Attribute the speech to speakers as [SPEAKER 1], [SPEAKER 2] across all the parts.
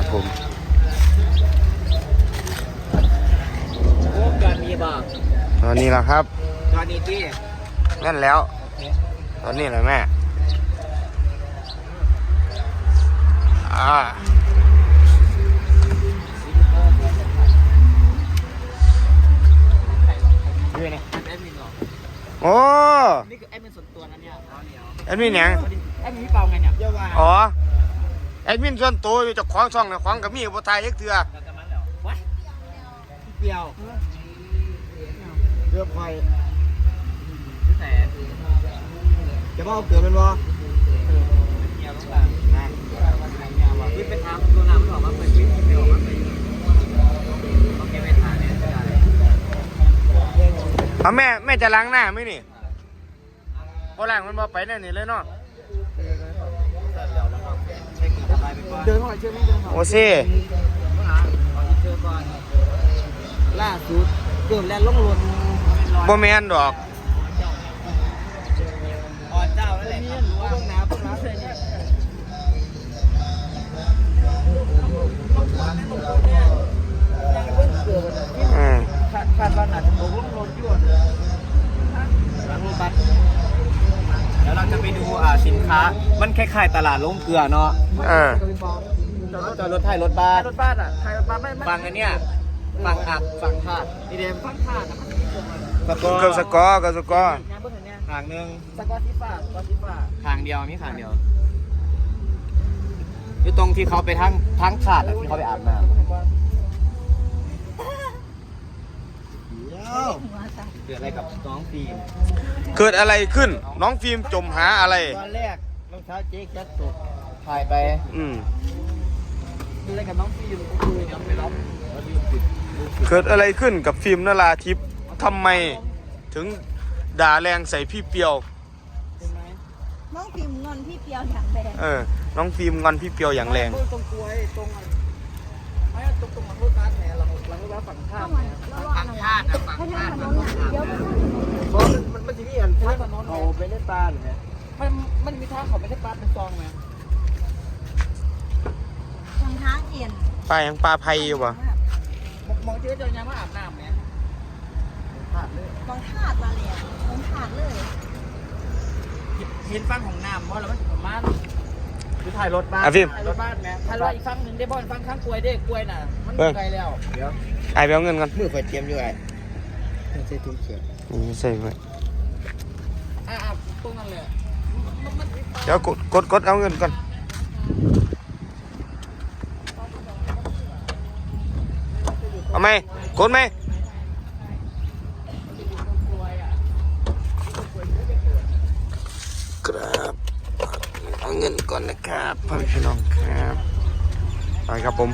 [SPEAKER 1] ผม
[SPEAKER 2] โอ้จอดมีบ่
[SPEAKER 1] ตอนนี้แหละครับ
[SPEAKER 2] จอดนี่ที่
[SPEAKER 1] นั่นแล้ว ตอนนี้แหละแม่
[SPEAKER 2] ด้วยเนี่ยแอดมินหรอ
[SPEAKER 1] โอ้
[SPEAKER 2] นี่คือแอดมินส่วนตัวนะเนี่ย
[SPEAKER 1] แอดมินหยัง
[SPEAKER 2] แอดมินพี่เปาไงเนี่ยเยอะว่า
[SPEAKER 1] อ๋อแอดมินส่วนตัวอยู่เจากของช่องนะของกับมีบ่ทายเอ็กเถื่อ
[SPEAKER 2] จะมาแล้ววัดเปรี้ยวเรือไฟแต่จะบอกเกิดเป็นวะเกี่ยวต้องการนะวิ่งไปทางตัวน้ำมันออกมาเป็นวิ่งไปออกมาเป็นโอเคไปทางเนี่ยได้
[SPEAKER 1] เอาแม่จะล้างหน้าไหมนี่พอล้างมันบ่ไปแน่นี่เลยเนาะ
[SPEAKER 2] เดินเข้าไปเชื่อไม่เดินเข้า
[SPEAKER 1] โอ้ซี่
[SPEAKER 2] เชื่อก่อนล่าสุดเกือบแล้วลงลน
[SPEAKER 1] บ่แม่นดอก
[SPEAKER 2] อ่อนเจ้าแล้วแหละครับว่าต้องน้ำต้องน้ำเลยเนี่ยคาดว่าหนักตกลงลนยวดหลังรถบัสแล้วเราจะไปดูสินค้ามันคล้ายๆตลาดลงเกลือเนาะจอดรถไทยรถบัสไทยรถบัสไม่ฟังอันเนี้ยฟังอักฟังธาตุนี่เดมฟังธาตุ
[SPEAKER 1] กับสกอร์
[SPEAKER 2] ทางหนึ่งสกอติฟ้าทางเดียวมีทางเดียวอยู่ตรงที่เขาไปทั้งขาดที่เขาไปอาบน้ำเกิดอะไรกับน้องฟิล์ม
[SPEAKER 1] เกิดอะไรขึ้นน้องฟิล์มจมหาอะไร
[SPEAKER 2] ตอนแรกรองเท้าเจ๊จัดตกถ่ายไปเกิดอะไรกับน้องฟิล์มก็คือยังไปรับ
[SPEAKER 1] เกิดอะไรขึ้นกับฟิล์มนราทิพย์ทำไมถึงด่าแรงใส่พี่เปียว
[SPEAKER 3] น้องพิมพ์งอนพี่เปียวอย่างแรง
[SPEAKER 1] น้องฟิล์มงอนพี่เปียวอย่างแรง
[SPEAKER 2] ตรงกล้วยตรงไม่ตรงมันรถบัสเนี่ยเราว่าฝั่งข้ามฝั่งข้ามฝั่งข้าม
[SPEAKER 3] เดี๋ยว
[SPEAKER 2] เพราะมันจะมีอันท่าถนนเขาไปเล่นปลาหรือไงมันมีทางเขาไม่ใช่ปลาเป็นซองไหม
[SPEAKER 3] ทางท้าเอียน
[SPEAKER 1] ปลาอย่างปลาไพอยู่ปะ
[SPEAKER 2] มองเจ๊เจอยังว่าอาบน้ำเนี่ยขาดเลย
[SPEAKER 3] มองถาดมาเลยมองถาดเลย
[SPEAKER 2] เห็นฟังของน้ำเพราะเราไม่ถึงประมาณคือถ่ายรถบ้านถ่ายรถบ้านแม่ถ่ายรถอีกฟังหนึ่งได้บอลฟังข้างกล้วยได้กล้วยน่ะมันไกลแล้วเดี๋ยว
[SPEAKER 1] ไอไปเอาเงินกัน
[SPEAKER 2] มือไฟเตรียมอยู่ไงใส่ถุงเขียว
[SPEAKER 1] นี่ใส่ไว้
[SPEAKER 2] ตรงนั้นเลย
[SPEAKER 1] เดี๋ยวกดเอาเงินก่อนเอาไหมกดไหมครับเอาเงินก่อนนะครับพี่น้องครับไปครับผม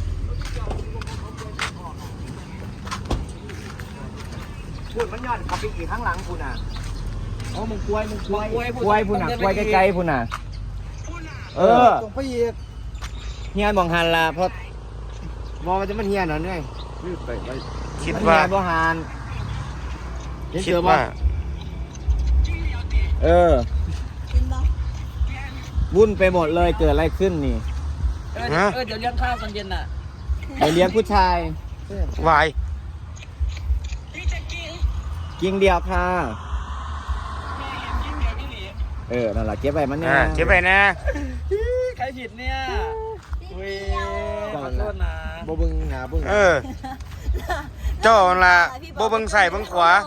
[SPEAKER 2] พูดมันย้อนขับไปอีกข้างหลังพูน่ะอ๋อมึงกล้วยพูน่ะกล้วยไกลๆพูน่ะตรงไปอีกเฮียนมองหันละเพราะมองมันจะมันเฮียนเหรอเนี่ย
[SPEAKER 1] คิดว่า
[SPEAKER 2] บ่หัน
[SPEAKER 1] คิดว่า
[SPEAKER 3] กินบ่
[SPEAKER 2] วุ่นไปหมดเลยเกิดอะไรขึ้นนี่
[SPEAKER 1] ฮะ
[SPEAKER 2] เดี๋ยวเลี้ยงข้าวตอนเย็นน่ะเดี๋ยวเลี้ยงผู้ชายว
[SPEAKER 1] าย
[SPEAKER 2] กิ้งเดียวค่ะนั่นแหละเก็บไปมันเนี่ย
[SPEAKER 1] เก็บไปนะ
[SPEAKER 2] ใครผิดเนี่ย
[SPEAKER 3] เปียว
[SPEAKER 2] ขอโทษนะบ่บึงหาบึง
[SPEAKER 1] เจ้าละบ่เบิ่งใส่เบิ่งขวา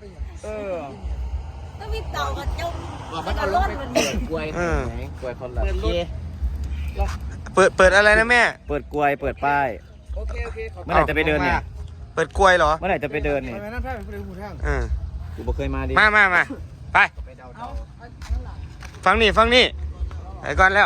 [SPEAKER 3] ก็มีเต่ากับเจ้า
[SPEAKER 2] มันเอาลงไปกล้วยกล้วยคนละ
[SPEAKER 1] เปิดอะไรนะแม่
[SPEAKER 2] เปิดกล้วยเปิดป้ายเมื่อไหร่จะไปเดินเนี่ย
[SPEAKER 1] เปิดกล้วยเหรอ
[SPEAKER 2] เมื่อไหร่จะไปเดินเนี่ย กูบ่เคยมาดิ
[SPEAKER 1] มาไปฟังนี่ไปก่อนแล้ว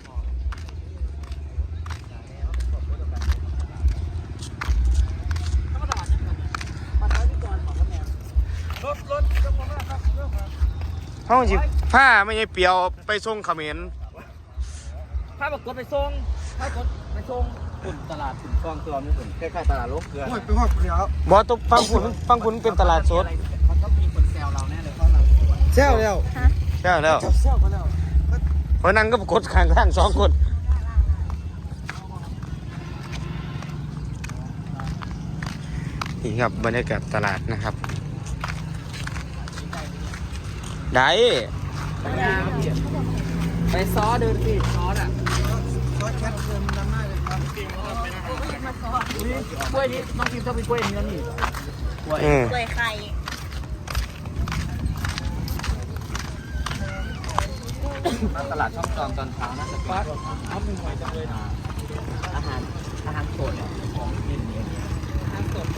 [SPEAKER 1] ห้องจิผ้าไม่ใช่เปียวไปส่งเขมร
[SPEAKER 2] ถ้าบอกกดไปส่งขุนตลาดขุนฟองตัวนี่ขุนคล้ายๆตลาดโลกเกลือไปหอดเกลือบ
[SPEAKER 1] อสต้องฟังคุณเป็นตลาดสด
[SPEAKER 2] มันต้องมีคนแซวเราแน่เลยเพราะเราแซวแล้ว
[SPEAKER 1] ใช่แล้ว
[SPEAKER 2] แซวกันแล้ว
[SPEAKER 1] เพราะนั่งก็กดข้าง2 คนนี่ครับบรรยากาศตลาดนะครับได้
[SPEAKER 2] ไปซ้อเดินสิซ้ออ่ะกล้วยนี้น้องกินชอบเป็นกล้วยเนื้อนี่กล้วย
[SPEAKER 3] กล้วยไข่
[SPEAKER 2] ตลาดช่องจอมตอนเช้าน่าจะปัดเอาเป็นหอยจังเลยอาหารสดของกินอาหารสด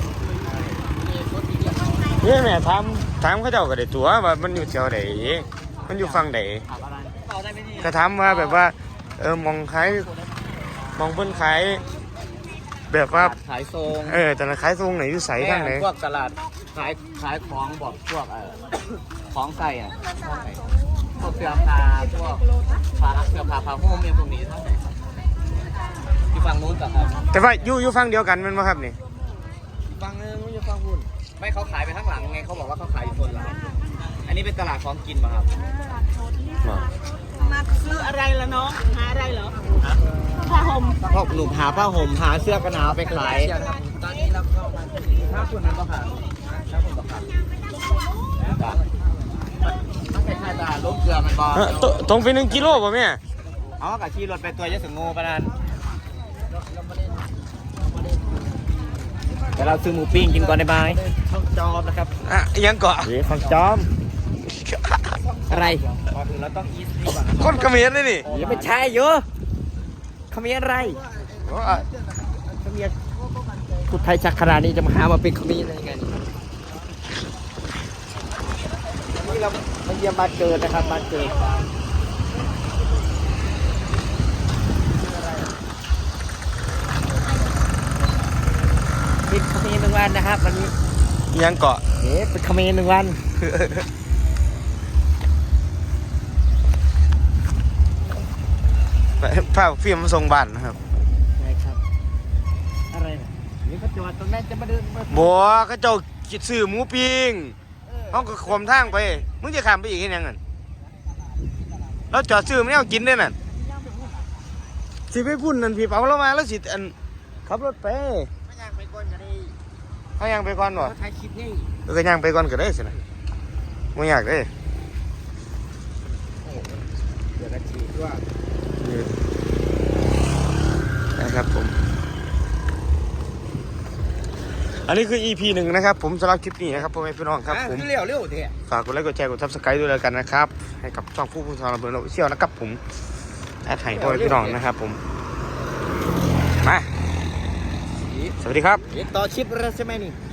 [SPEAKER 1] นี่แม่ถามเขาเจ้าก็ได้ตัวว่ามันอยู่แถวไหนมันอยู่ฝั่งไหน
[SPEAKER 2] ถามอะไรต่อได้ไหมนี่
[SPEAKER 1] ก็ถามว่าแบบว่ามองขายมองเพิ่นขายแบบว่า
[SPEAKER 2] ขายทรง
[SPEAKER 1] แต่ละขายทรงไหนอยู่ใสทางไหน
[SPEAKER 2] พวกตลาดขายของบอกพวกของใส่อ่ะพวกเสื้อผ้าพวกเสื้อผ้าห่มเนี่ยพวกนี้เท่าไหร่ที่ฝั่งนู้นกับครับ
[SPEAKER 1] แต่ว่าอยู่ฝั่งเดียวกันแมันบ่ครับนี่
[SPEAKER 2] ฝั่งนึงไม่ใช่ฝั่งหุ่นไม่เขาขายไปข้างหลังไงเขาบอกว่าเขาขายอยู่โซนหลังอันนี้เป็นตลาดของกินป่ะครับ
[SPEAKER 3] มาซื้ออะไรละน้องหาอะไรเหรอผ้าห่ม
[SPEAKER 2] พวกหนุ่มหาผ้าห่มหาเสื้อกันหนาวไปขายตอนนี้เราก็มาถ้าคุณนั้นก็ขายถ้าคุณก็ขายต้องไปขายตลาดล้มเกลือมันบอล
[SPEAKER 1] ตรงไป1 กิโลป่ะแม่
[SPEAKER 2] เอากับขี่รถไปตัวยะสึงงูปะนั่นเดี๋ยวเราซื้อหมูปิ้งกินก่อนได้ไหมช่องจอมนะครับ
[SPEAKER 1] ยังเกาะ
[SPEAKER 2] ของจอมอะไรก่อนอื่นเราต้องอีสนี่ก่อน
[SPEAKER 1] คนเขมรเลยนี่
[SPEAKER 2] อย่าไปใช่เยอะเขามีอะไรเขามีพูดไทยชักขนาดนี้จะมาหามาเป็นเขามีอะไรกันนี่เรามาเยี่ยมบ้านเกิดนะครับบ้านเกิดเป็นเขมร1 วันนะครับวันนี้
[SPEAKER 1] ยังเกาะ
[SPEAKER 2] เป็นเขมร1 วัน
[SPEAKER 1] ผ้าฟิล์มส่งบ้านนะครับ
[SPEAKER 2] ใช่ครับอะไรนะนี่เขาจอดตรงนั้นจะมาเดินมา
[SPEAKER 1] บัวเขาเจ้าซื้อหมูปิ้งเขาก็ขวมทางไปมึงจะข้ามไปอีกยังไงเราจอดซื้อไม่เอากินด้วยนั่นสิไปพุ่นนั่นพี่เปาเรามาแล้วสิอันขับรถไป
[SPEAKER 2] ไม่อยากไปก่อนกันดิ
[SPEAKER 1] เขายังไปก่อนบ่
[SPEAKER 2] เขาถ่ายคลิปนี่
[SPEAKER 1] ก็ยังไปก่อนก็ได้สินะไม่อยากได้
[SPEAKER 2] เดี๋ยวนาทีว่า
[SPEAKER 1] นะครับผมอันนี้คือ EP 1นะครับผมสำหรับคลิปนี้นะครับพ่อแม่พี่น้องครับผม
[SPEAKER 2] เร็วเถอะ
[SPEAKER 1] ฝากกดไลค์กดแชร์กด Subscribe ด้วยแล้วกันนะครับให้กับช่องผู้ทำระเบิดเราเชี่ยวนะครับผมแอดไห่พ่อแม่พี่น้องนะครับผมมาสวัสดีครับ
[SPEAKER 2] ต่อชิปแล้วใช่ไหมนี่